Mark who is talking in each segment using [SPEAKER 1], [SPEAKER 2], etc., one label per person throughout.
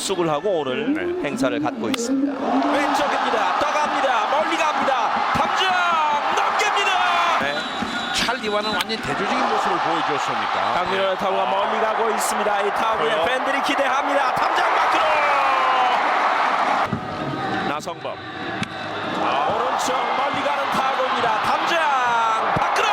[SPEAKER 1] 합숙을 하고 오늘 행사를 갖고 있습니다. 왼쪽입니다. 떠갑니다. 멀리 갑니다. 탐정 넘깁니다.
[SPEAKER 2] 찰리와는 완전 대조적인 모습을 보여줬으니까.
[SPEAKER 1] 강민호의 타구가 멀리 가고 있습니다. 이 타구에 팬들이 기대합니다. 탐정 밖으로 나성범 오른쪽 멀리 가는 타구입니다. 탐정 밖으로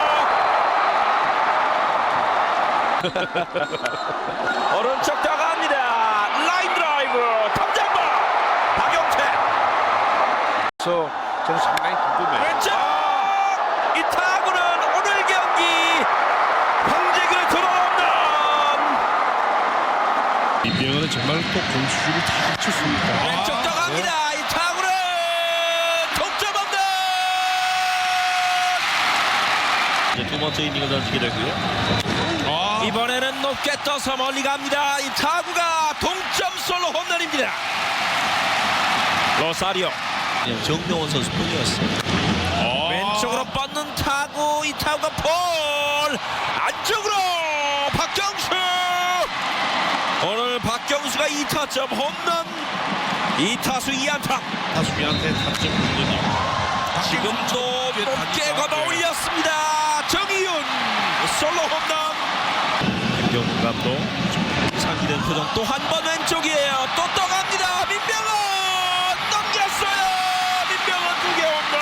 [SPEAKER 1] 오른쪽 떠갑니다. 라인 드라이브 탐정범 박용태
[SPEAKER 2] 그래서 저는 상당히 궁금해요.
[SPEAKER 1] 왼쪽 이 타구는 오늘 경기 황재균의 들어온다.
[SPEAKER 3] 이병헌은 정말 또 공수주를 다 갖췄습니다.
[SPEAKER 1] 왼쪽 떠갑니다. 이 타구는 동점 홈런. 이제 두 번째 이닝을 던지게 되고요. 이번에는 높게 떠서 멀리 갑니다. 이 타구가 동점 솔로 홈런입니다. 로사리오 정명원 선수 뿐이었어요. 왼쪽으로 뻗는 타구. 이 타구가 볼 안쪽으로 박경수. 오늘 박경수가 2타점 홈런 2타수 2안타.
[SPEAKER 3] 타수비한테 타점 홈런이.
[SPEAKER 1] 지금도 높게 걷어 올렸습니다. 정희윤 솔로 홈런. 김경훈 감독 상기된 표정. 또 한 번 왼쪽이에요. 또 떠갑니다. 민병헌 넘겼어요. 민병헌 2개 홈런.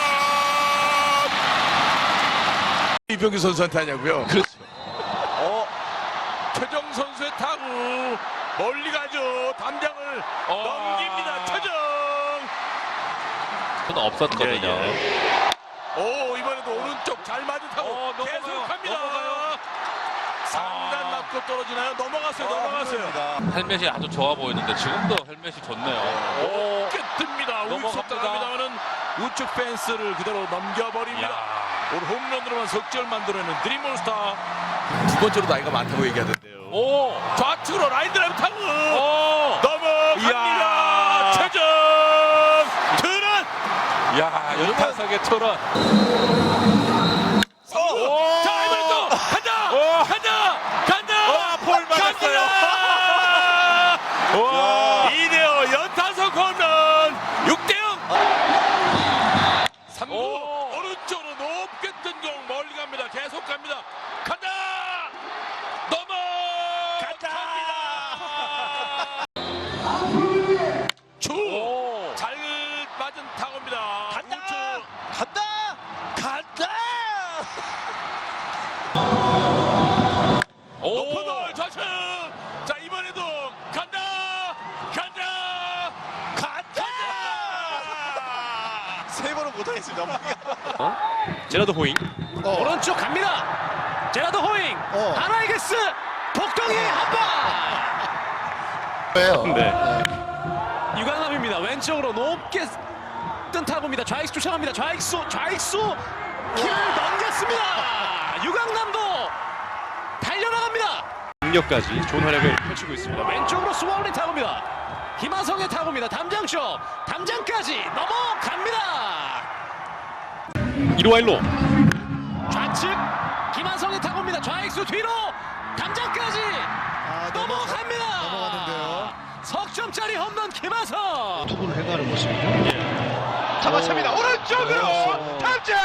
[SPEAKER 2] 이병규 선수한테 하냐고요?
[SPEAKER 3] 그렇죠.
[SPEAKER 2] 최정 선수의 타구 멀리 가죠. 담장을 넘깁니다. 최정.
[SPEAKER 4] 없었거든요.
[SPEAKER 2] 오, 이번에도 오른쪽 잘 맞은 타구 계속합니다. 상단 맞고 떨어지나요? 넘어갔어요.
[SPEAKER 4] 헬멧이 아주 좋아 보이는데 지금도 헬멧이 좋네요.
[SPEAKER 2] 뜹니다. 우측 당합니다만은 우측 펜스를 그대로 넘겨버립니다. 오늘 홈런으로만 석절 만들어내는 드림몬스타. 두 번째로 나이가 많다고 얘기하던데요.
[SPEAKER 4] 오,
[SPEAKER 2] 좌측으로 라인 드라이브 타구
[SPEAKER 4] 오,
[SPEAKER 2] 넘어갑니다. 최정 트런.
[SPEAKER 4] 야, 연타석의 투런.
[SPEAKER 2] 자, 이번에 또 간다.
[SPEAKER 4] 볼 맞았어요. 와,
[SPEAKER 2] 이대호 연타석 홈런 6대0. 3구 오른쪽으로 높게 뜬 공 멀리 갑니다. 계속 갑니다. 간다. 넘어갑니다. 잘 맞은 타구입니다. 간다. 높은 볼 좌측. 자, 이번에도 간다.
[SPEAKER 5] 세 번은 못하겠습니다.
[SPEAKER 3] 제라드 호잉.
[SPEAKER 6] 오른쪽 갑니다. 제라드 호잉. 하나이게스 복덩이 한방.
[SPEAKER 3] 네.
[SPEAKER 6] 유강남입니다. 왼쪽으로 높게 뜬 타구입니다. 좌익수 쫓아갑니다. 좌익수 길을 넘겼습니다. 유강남도 달려나갑니다.
[SPEAKER 3] 능력까지 좋은 활약을 펼치고 있습니다.
[SPEAKER 6] 왼쪽으로 스와울린 타구입니다. 김하성의 타구입니다. 담장쇼 담장까지 넘어갑니다.
[SPEAKER 3] 1루 와일로.
[SPEAKER 6] 좌측 김하성의 타구입니다. 좌익수 뒤로 담장까지 넘어갑니다.
[SPEAKER 5] 넘어갔는데요.
[SPEAKER 6] 석점짜리 홈런 김하성.
[SPEAKER 3] 투구를 해가는 모습이죠.
[SPEAKER 5] 잡아찹니다. 오른쪽으로 탑장.